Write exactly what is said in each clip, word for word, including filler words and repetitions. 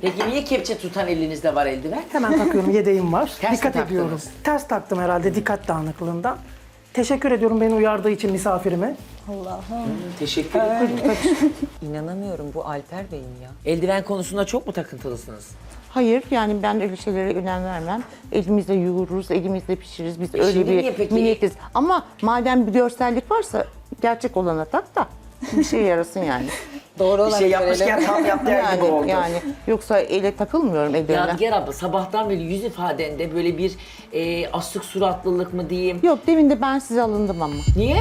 Peki niye kepçe tutan elinizde var eldiven? Hemen takıyorum, yedeğim var. Ters mi Dikkat taktınız? ediyorum. Ters taktım herhalde dikkat dağınıklığından. Teşekkür ediyorum beni uyardığı için misafirime. Teşekkür ederim. İnanamıyorum bu Alper Bey'in ya. Eldiven konusunda çok mu takıntılısınız? Hayır, yani ben öyle şeylere önem vermem. Elimizle yoğururuz, elimizle pişiririz. Biz öyle şimdi niye bir peki? milletiz. Ama madem bir görsellik varsa gerçek olana tak da bir şey yarasın yani. Doğru Bir şey yapmışken tam yap der gibi yani, oldu. yani yoksa ele takılmıyorum ellerine. Yadigar abla sabahtan beri yüz ifadende böyle bir e, asık suratlılık mı diyeyim? Yok, demin de ben size alındım ama. Niye?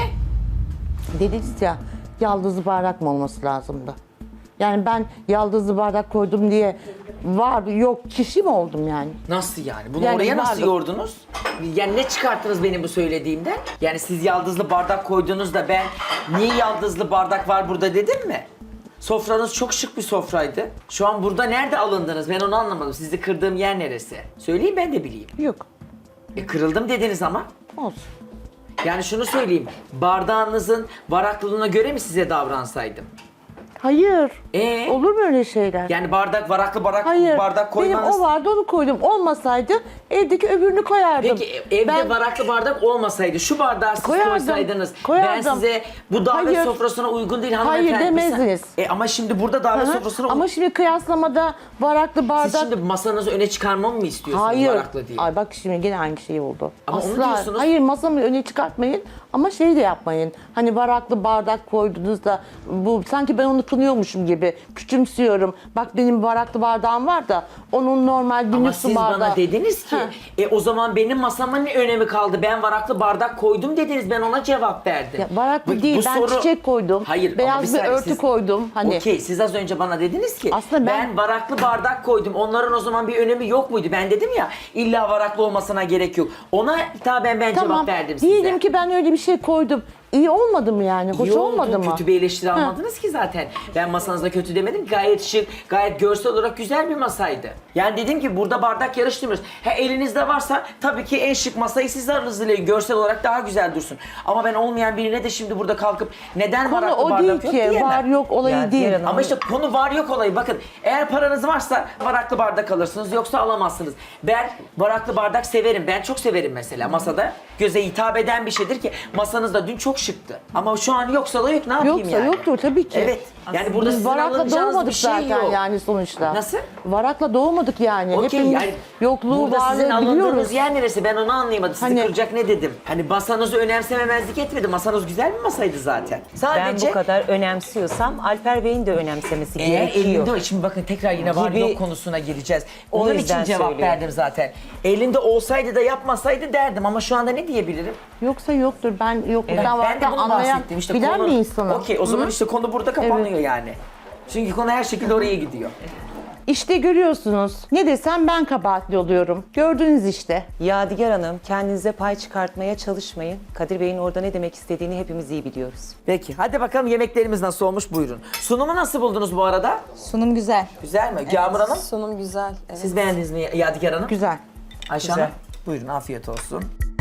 Dediniz ya, yaldızlı bardak mı olması lazımdı? Yani ben yaldızlı bardak koydum diye var yok kişi mi oldum yani? Nasıl yani? Bunu Yani oraya nasıl vardı. yordunuz? Yani ne çıkarttınız benim bu söylediğimden? Yani siz yaldızlı bardak koydunuz da ben niye yaldızlı bardak var burada dedim mi? Sofranız çok şık bir sofraydı. Şu an burada nerede alındınız? Ben onu anlamadım. Sizi kırdığım yer neresi? Söyleyin ben de bileyim. Yok, E, kırıldım dediniz ama. olsun. Yani şunu söyleyeyim. Bardağınızın varaklılığına göre mi size davransaydım? Hayır. Ee? Olur mu öyle şeyler? Yani bardak, varaklı bardak, Hayır. bardak koymanız... Benim o vardı onu koydum. Olmasaydı evdeki öbürünü koyardım. Peki evde Ben- varaklı bardak olmasaydı, şu bardağı siz Koyardım, koysaydınız, ben koyardım. size bu davet Hayır. sofrasına uygun değil hanımefendi. Hayır demezdiniz. E ama şimdi burada davet Hı hı. sofrasına Ama uygun. şimdi kıyaslamada varaklı bardak... Siz şimdi masanızı öne çıkarmamı mı istiyorsunuz Hayır. varaklı diye? Ay bak şimdi gene aynı şey oldu. Ama onu diyorsunuz. Hayır, masamı öne çıkartmayın ama şey de yapmayın. Hani varaklı bardak koydunuz da bu sanki ben onu kınıyormuşum gibi küçümsüyorum. Bak benim varaklı bardağım var da onun normal Ama günlük su siz bardağı. bana dediniz ki, Heh. e o zaman benim masama ne önemi kaldı? Ben varaklı bardak koydum dediniz, ben ona cevap verdim. Ya varaklı değil, ben çiçek koydum. Hayır, Beyaz ama bir saniye, örtü siz- koydum. Hani Okey, siz az önce bana dediniz ki, Aslında ben... ben- varaklı bardak koydum, onların o zaman bir önemi yok muydu? Ben dedim ya, illa varaklı olmasına gerek yok. Ona hitaben ben tamam. cevap verdim size. Diyelim ki ben öyle bir şey koydum. İyi olmadı mı yani? Hoş İyi oldu, olmadı mı? kötü bir eleştiri almadınız ki zaten. Ben masanızda kötü demedim. Gayet şık, gayet görsel olarak güzel bir masaydı. Yani dedim ki burada bardak yarıştırmıyoruz. Ha elinizde varsa tabii ki en şık masayı siz hazırlayın. Görsel olarak daha güzel dursun. Ama ben olmayan birine de şimdi burada kalkıp neden Konu varaklı o bardak değil yok ki. diyemem. Var yok olayı Ya, değil. diğer hanım- Ama işte konu var yok olayı. Bakın eğer paranız varsa varaklı bardak alırsınız yoksa alamazsınız. Ben varaklı bardak severim. Ben çok severim mesela masada. Göze hitap eden bir şeydir ki masanız da dün çok şıktı. Ama şu an yoksa da yok ne yapayım Yoksa yani? yoktur tabii ki. Evet. Yani burada Biz sizin varakla alınacağınız doğmadık bir şey zaten yok. yani sonuçta. Nasıl? Varakla doğmadık yani. Okey Hepimiz yani yokluğu burada sizin varlığı alındığınız biliyoruz. yer neresi ben onu anlayamadım. Sizi Hani- kıracak ne dedim? Hani masanızı önemsememezlik etmedi. Masanız güzel bir masaydı zaten. Ben Sadece bu kadar önemsiyorsam Alper Bey'in de önemsemesi eğer gerekiyor. elinde, şimdi bakın tekrar yine var Gibi- yok konusuna gireceğiz. O Onun için yüzden cevap söylüyorum. verdim zaten. Elinde olsaydı da yapmasaydı derdim ama şu anda ne diyebilirim? Yoksa yoktur. Ben yokluktan ben de varlıktan bunu anlayan, bahsettim. İşte bilen konu, bir insanım. Okey o zaman Hı? işte konu burada kapanıyor yani. Çünkü konu her şekilde oraya gidiyor. İşte görüyorsunuz. Ne desem ben kabahatli oluyorum. Gördünüz işte. Yadigar Hanım, kendinize pay çıkartmaya çalışmayın. Kadir Bey'in orada ne demek istediğini hepimiz iyi biliyoruz. Peki hadi bakalım yemeklerimiz nasıl olmuş buyurun. Sunumu nasıl buldunuz bu arada? Sunum güzel. Güzel mi? Yağmur Hanım? Sunum güzel. Evet. Siz beğendiniz mi Yadigar Hanım? Güzel. Ayşe Güzel. Hanım? Buyurun afiyet olsun.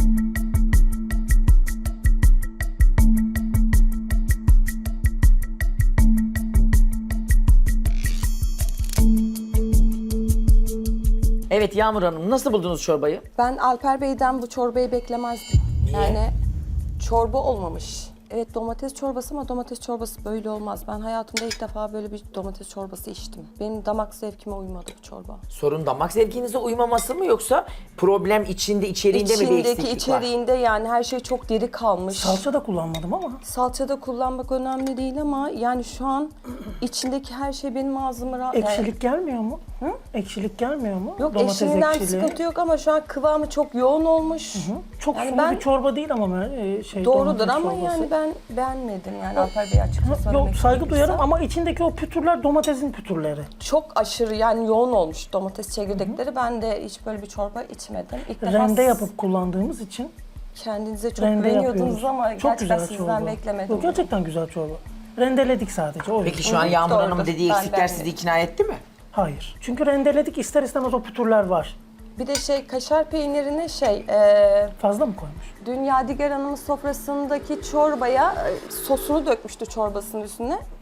Evet Yağmur Hanım nasıl buldunuz çorbayı? Ben Alper Bey'den bu çorbayı beklemezdim. Yani çorba olmamış. Evet domates çorbası ama domates çorbası böyle olmaz. Ben hayatımda ilk defa böyle bir domates çorbası içtim. Benim damak zevkime uymadı bu çorba. Sorun damak zevkinize uymaması mı yoksa problem içinde içeriğinde mi bir İçindeki eksiklik var? içeriğinde yani her şey çok diri kalmış. Salça da kullanmadım ama. Salçada kullanmak önemli değil ama yani şu an içindeki her şey benim ağzıma rahat... Ekşilik gelmiyor mu? Hı? Ekşilik gelmiyor mu? Yok Domates eşiğinden ekşiliği. sıkıntı yok ama şu an kıvamı çok yoğun olmuş. Çok Yani sulu ben- bir çorba değil ama e, şey Doğrudur domates ama çorbası. yani ben beğenmedim yani Alper Bey açıkça söylemek Yok saygı gerekirse. duyarım ama içindeki o pütürler domatesin pütürleri. Çok aşırı yani yoğun olmuş domates çekirdekleri. Ben de hiç böyle bir çorba içmedim. İlk defa Rende siz yapıp kullandığımız için kendinize çok rende güveniyordunuz yapıyoruz. ama Çok gerçekten güzel sizden çorba. beklemedim. Yok, gerçekten güzel çorba. Rendeledik sadece. O Peki yüzden. şu an Yağmur Doğrudur. Hanım'ın dediği Ben eksikler beğendim. sizi ikna etti mi? Hayır. Çünkü rendeledik ister istemez o pütürler var. Bir de şey kaşar peynirine şey e, Fazla mı koymuş? dün Yadigar Hanım'ın sofrasındaki çorbaya e, sosunu dökmüştü çorbasının üstüne.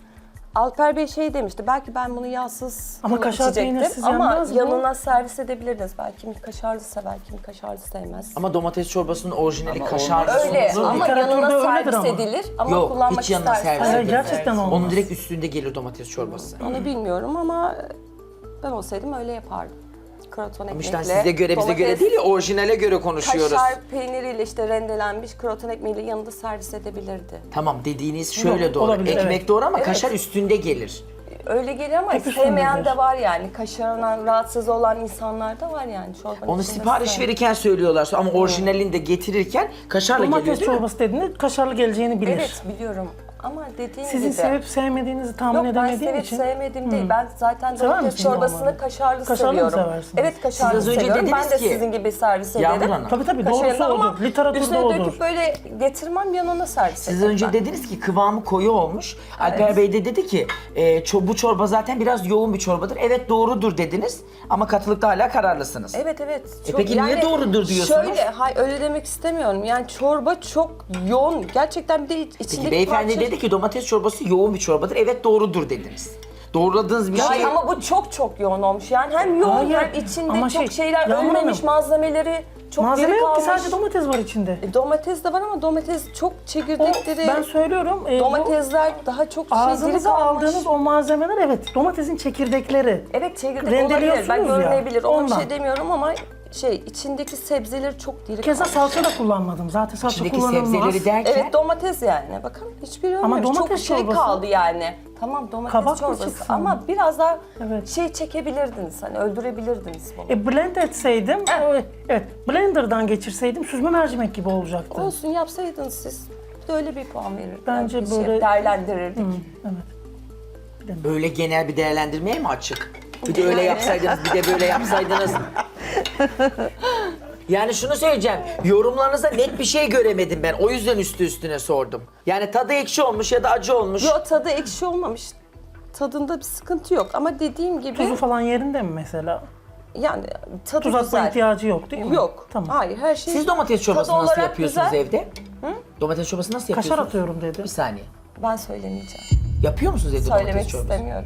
Alper Bey şey demişti, belki ben bunu yağsız Ama kıyma kaşar içecektim peynirsiz ama yenmez bu. yanına servis edebilirdiniz. Belki kimi kaşarlı sever, kimi kaşarlı sevmez. Ama domates çorbasının orijinali Ama kaşarlı Öyle sosu. ama Literatürde yanına öyledir servis ama. edilir ama Yok, kullanmak hiç yanına isterseniz. servis Hayır, edilmez. gerçekten olmaz. Onun direkt üstünde gelir domates çorbası. Onu bilmiyorum ama ben olsaydım öyle yapardım. Kroton ekmekle. İşte size göre bize göre domates, değil ya orijinale göre konuşuyoruz. Kaşar peyniriyle işte rendelenmiş kroton ekmeğiyle yanında servis edebilirdi. Tamam dediğiniz şöyle Yok, doğru. olabilir, Ekmek evet. doğru ama Evet. kaşar üstünde gelir. Öyle gelir ama Hep sevmeyen üstündedir. de var yani. Kaşarından rahatsız olan insanlar da var yani. Çorbanın Onu içinde sipariş sevmeyen. verirken söylüyorlar ama orijinalini de getirirken kaşarla geliyor Domates değil mi? çorbası dediğinde kaşarlı geleceğini bilir. Evet biliyorum ama dediğim Sizin gibi. sevip sevmediğinizi tahmin Yok ben edemediğim sevip için. sevmediğim değil. Ben zaten Sever domates misiniz çorbasını normalde? kaşarlı, Kaşarlı mı seviyorum. seversiniz? Evet kaşarlı Siz az önce seviyorum. Ben dediniz de ki- sizin gibi servis Yağmur ederim. Hanım. Tabii tabii Kaşarını doğrusu ama odur. Literatürde üstüne odur. döküp böyle getirmem yanına servis Siz ederim önce ben. dediniz ki kıvamı koyu olmuş. Alper Bey de dedi ki e, ço- bu çorba zaten biraz yoğun bir çorbadır. Evet doğrudur dediniz ama katılıkta hala kararlısınız. Evet evet. E peki niye doğrudur diyorsunuz? Şöyle, hayır öyle demek istemiyorum. Yani çorba çok yoğun. Gerçekten bir de içindeki Peki beyefendi parça- dedi ki domates çorbası yoğun bir çorbadır. Evet doğrudur dediniz. Doğruladığınız bir Ya şey... ama bu çok çok yoğun olmuş. Yani hem yoğun Hayır, hem içinde ama çok şey, şeyler Yağmur ölmemiş Hanım. malzemeleri çok Malzeme diri yok ki kalmış. sadece domates var içinde. E, domates de var ama domates çok O, çekirdekleri. ben söylüyorum. e, bu Domatesler daha çok şey diri ağzınıza kalmış. aldığınız o malzemeler evet domatesin çekirdekleri. Evet çekirdek rendeliyorsunuz olabilir. Ben ya, görünebilir. Ona bir ondan. şey demiyorum ama şey içindeki sebzeleri çok diri Keza kalmış. salça da kullanmadım. Zaten salça İçindeki kullanılmaz. sebzeleri derken... Evet domates yani. Bakın hiçbiri Ama ölmemiş. Çok domates şey çorbası- kaldı yani. Tamam domates Kabak mı çorbası çıksın? ama biraz daha Evet. şey çekebilirdiniz. Hani öldürebilirdiniz bunu. E blend etseydim, e, evet blenderdan geçirseydim süzme mercimek gibi olacaktı. Olsun yapsaydınız siz. Bir de öyle bir puan verirdim. Bence Bir şey böyle- değerlendirirdik. Böyle genel bir değerlendirmeye mi açık? Bir de öyle yapsaydınız, bir de böyle yapsaydınız. Yani şunu söyleyeceğim, yorumlarınızda net bir şey göremedim ben. O yüzden üstü üstüne sordum. Yani tadı ekşi olmuş ya da acı olmuş. Yo tadı ekşi olmamış. Tadında bir sıkıntı yok ama dediğim gibi Tuzu falan yerinde mi mesela? yani tadı Tuz atma güzel. ihtiyacı yok değil mi? Yok. Tamam. Hayır her şey. Siz domates çorbasını tadı nasıl olarak yapıyorsunuz güzel. evde? Domates çorbası nasıl Kaşar yapıyorsunuz? atıyorum dedi. Bir saniye. Ben söylemeyeceğim. Yapıyor musunuz evde domates Söylemek çorbası? istemiyorum.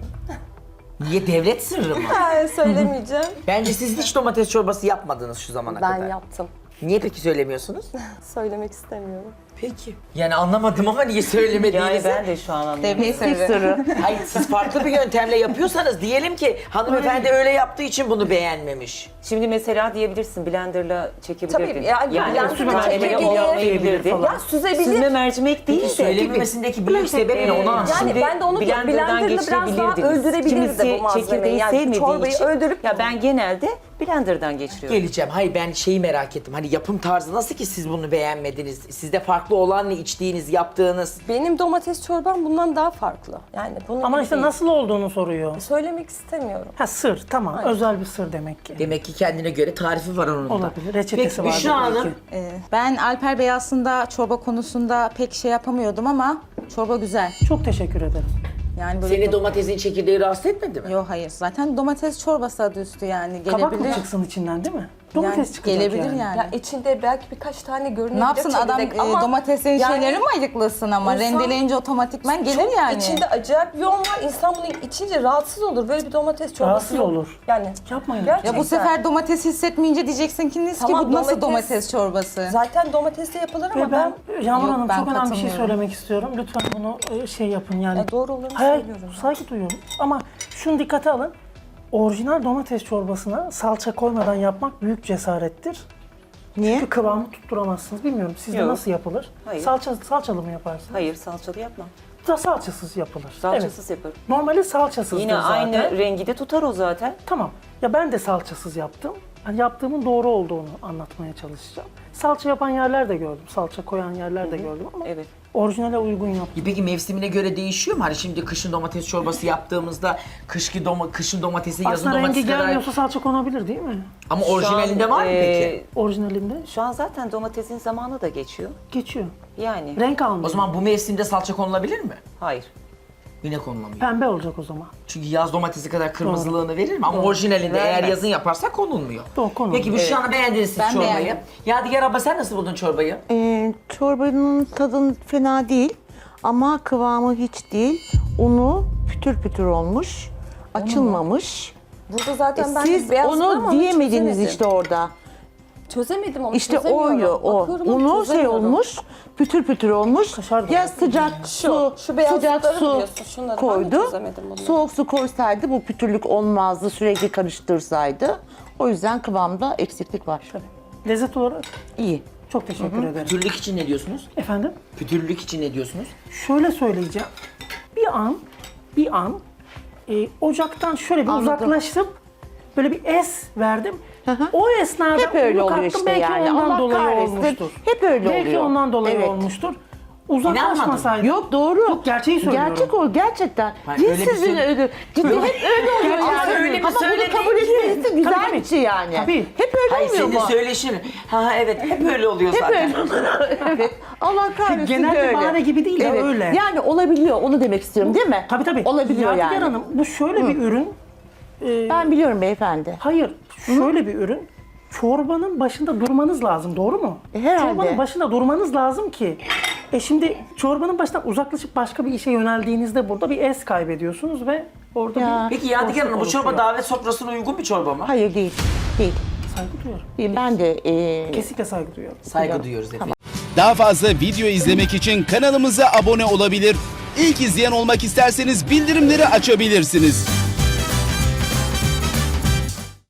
Niye devlet sırrı mı? Ben söylemeyeceğim. Bence siz hiç domates çorbası yapmadınız şu zamana Ben kadar. yaptım. Niye peki söylemiyorsunuz? Söylemek istemiyorum. Peki. Yani anlamadım ama niye söylemediğinizi. Yani ben de şu an anladım. Meslek sırrı. Hayır siz farklı bir yöntemle yapıyorsanız diyelim ki hanımefendi öyle yaptığı için bunu beğenmemiş. Şimdi mesela diyebilirsin blenderla çekebilirdin. Tabii, yani blenderla malzemeyi çekebilir. olmayabilirdi. falan. Ya süzebilir. Süzme mercimek değil Peki de. söylememesindeki büyük sebebi ne onu anlamadım. Yani Şimdi ben de onu diyorum, blenderdan blenderla biraz daha geçirebilirdiniz. öldürebilirdi Kimisi bu malzemeyi. çekirdeği Yani sevmediği çorbayı için. öldürüp- Ya ben genelde blenderdan geçiriyorum. Geleceğim. Hayır ben şeyi merak ettim. Hani yapım tarzı nasıl ki siz bunu beğenmediniz? Sizde farklı olan ne içtiğiniz, yaptığınız? Benim domates çorbam bundan daha farklı. Yani bunun Ama gibi işte değil. nasıl olduğunu soruyor. Söylemek istemiyorum. Ha sır tamam özel bir sır demek ki. Demek ki kendine göre tarifi var onun da. Olabilir, reçetesi Peki, vardır Büşra belki. Hanım. Ee, Ben Alper Bey aslında çorba konusunda pek şey yapamıyordum ama çorba güzel. Çok teşekkür ederim. Yani böyle Seni domatesin çekirdeği rahatsız etmedi mi? Yok hayır. Zaten domates çorbası adı üstü yani Kabak mı gelebilir. çıksın içinden değil mi? Domates Yani çıkacak gelebilir yani. yani. Ya içinde belki birkaç tane görünebilir Ne yapsın adam çekirdek e, ama domatesin yani şeyleri mi ayıklasın ama insan rendeleyince otomatikman gelir çok yani. içinde acayip yoğun var. İnsan bunu içince rahatsız olur. Böyle bir domates çorbası Rahatsız yok. olur. Yani Yapmayın. gerçekten. Ya bu sefer domates hissetmeyince diyeceksin ki ki Tamam, bu nasıl domates- domates çorbası? Zaten domatesle yapılır ama Ve ben, ben, Yağmur Yok, Hanım ben çok önemli bir şey katılmıyorum. söylemek istiyorum. Lütfen bunu e, şey yapın yani. Ya doğru olanı Hayır, söylüyorum. saygı duyuyorum. Ama şunu dikkate alın. Orijinal domates çorbasına salça koymadan yapmak büyük cesarettir. Niye? Çünkü kıvamı tutturamazsınız. Bilmiyorum sizde Yok. nasıl yapılır? Hayır. Salça, salçalı mı yaparsınız? Hayır salçalı yapmam. Da salçasız yapılır. Salçasız Evet. yaparım. Normali salçasızdır Yine zaten. aynı rengi de tutar o zaten. Tamam. Ya ben de salçasız yaptım. Hani yaptığımın doğru olduğunu anlatmaya çalışacağım. Salça yapan yerler de gördüm. Salça koyan yerler de gördüm ama Evet. orijinale uygun yaptım. Peki mevsimine göre değişiyor mu? Hani şimdi kışın domates çorbası yaptığımızda kışki doma, kışın domatesi, yazın Aslında rengi domatesi kadar... gelmiyorsa salça konabilir değil mi? Ama Şu orijinalinde an, var mı e, peki? Orijinalinde Şu an zaten domatesin zamanı da geçiyor. geçiyor. Yani Renk almıyor. O zaman bu mevsimde salça konulabilir mi? hayır. Yine konulamıyor. Pembe olacak o zaman. Çünkü yaz domatesi kadar kırmızılığını verir mi? Ama orijinalinde eğer Vermez. yazın yaparsak konulmuyor. Doğru, konulmuyor. Peki bu şu an beğendiniz siz Ben çorbayı. beğendim. Yadigar abla sen nasıl buldun çorbayı? Ee, çorbanın tadı fena değil ama kıvamı hiç değil. Unu pütür pütür olmuş, açılmamış. Burada zaten ben Siz beyazladım ama onu diyemediniz çözemedim. işte orada. Çözemedim onu, İşte çözemiyorum. oydu o. Bakıyorum ama Unu şey çözemiyorum. olmuş, pütür pütür olmuş. Kaşar da Ya var. sıcak su, şu beyazlıkları sıcak su biliyorsun, şunları ben de koydu. çözemedim bunları. Soğuk su koysaydı bu pütürlük olmazdı, sürekli karıştırsaydı. O yüzden kıvamda eksiklik var. Lezzet olarak İyi. çok teşekkür ederim. Pütürlük için ne diyorsunuz? Efendim? Pütürlük için ne diyorsunuz? Şöyle söyleyeceğim. Bir an, bir an e, ocaktan şöyle bir Anladım. uzaklaşıp böyle bir es verdim. O esnada Hep öyle unu oluyor kattım, işte belki yani. ondan Allah dolayı kahretsin. olmuştur. Hep öyle belki oluyor. ondan dolayı Evet. olmuştur. Uzaklaşmasaydı. Yok doğru. Yok, gerçeği söylüyorum. Gerçek o gerçekten. Hayır, öyle bir Cinsizin şey- öyle. Ciddi hep öyle oluyor Ama yani. öyle mi Ama bunu söyledin kabul ki? etmesi güzel Tabii, bir tabii. şey yani. Tabii. Hep öyle Hayır olmuyor senin mu? söyleşin. Ha evet hep öyle oluyor zaten. evet. Allah kahretsin Genel bir öyle. bahane gibi değil de öyle. Yani olabiliyor onu demek istiyorum değil mi? Tabii tabii. Olabiliyor Yadigar yani. Hanım bu şöyle bir ürün. e, Ben biliyorum beyefendi. Hayır, şöyle bir ürün. Çorbanın başında durmanız lazım, doğru mu? E, herhalde. Çorbanın başında durmanız lazım ki. E şimdi çorbanın başından uzaklaşıp başka bir işe yöneldiğinizde burada bir es kaybediyorsunuz ve orada Ya. bir Peki Yadigar Hanım bu boşluk çorba oluşuyor. davet sofrasına uygun bir çorba mı? Hayır değil. Değil. Saygı duyuyorum. değil. Ben de e, Kesinlikle saygı duyuyorum. Saygı duyuyoruz efendim. Daha fazla video izlemek için kanalımıza abone olabilir. İlk izleyen olmak isterseniz bildirimleri açabilirsiniz.